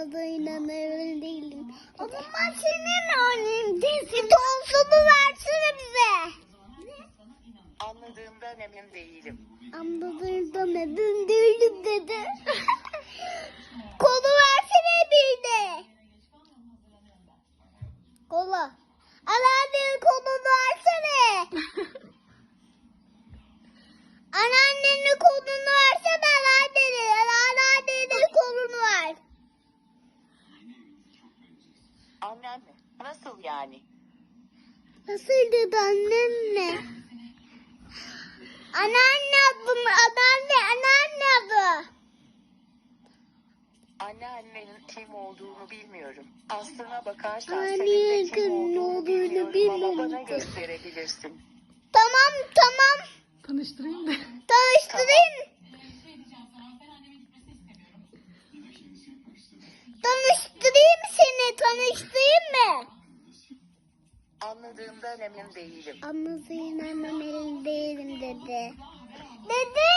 Anladığına emin değilim. O zaman senin annem değilsin. Tonsunu versene bize. Anladığımdan emin değilim. Anladığından emin değilim dedi. Kolu versene bir de. Kola. Anneannenin kolunu versene. Anneannenin kolunu versene anneannenin. Anneannenin kolunu ver. Anneanne, nasıl yani? Nasıl dedi anneanne? Anneanne adım, anneanne adı. Anneannenin kim olduğunu bilmiyorum. Aslına bakarsan Anne, senin de kim kim olduğunu olduğunu bilmiyorum ama bilmiyorum. bana gösterebilirsin. Tamam. Tanıştırayım da. Tanıştırayım. Tanıştırayım seni. Tanıştırayım mı? Anladığımdan emin değilim. Anlasın annem elim değilim dedi. Dedi.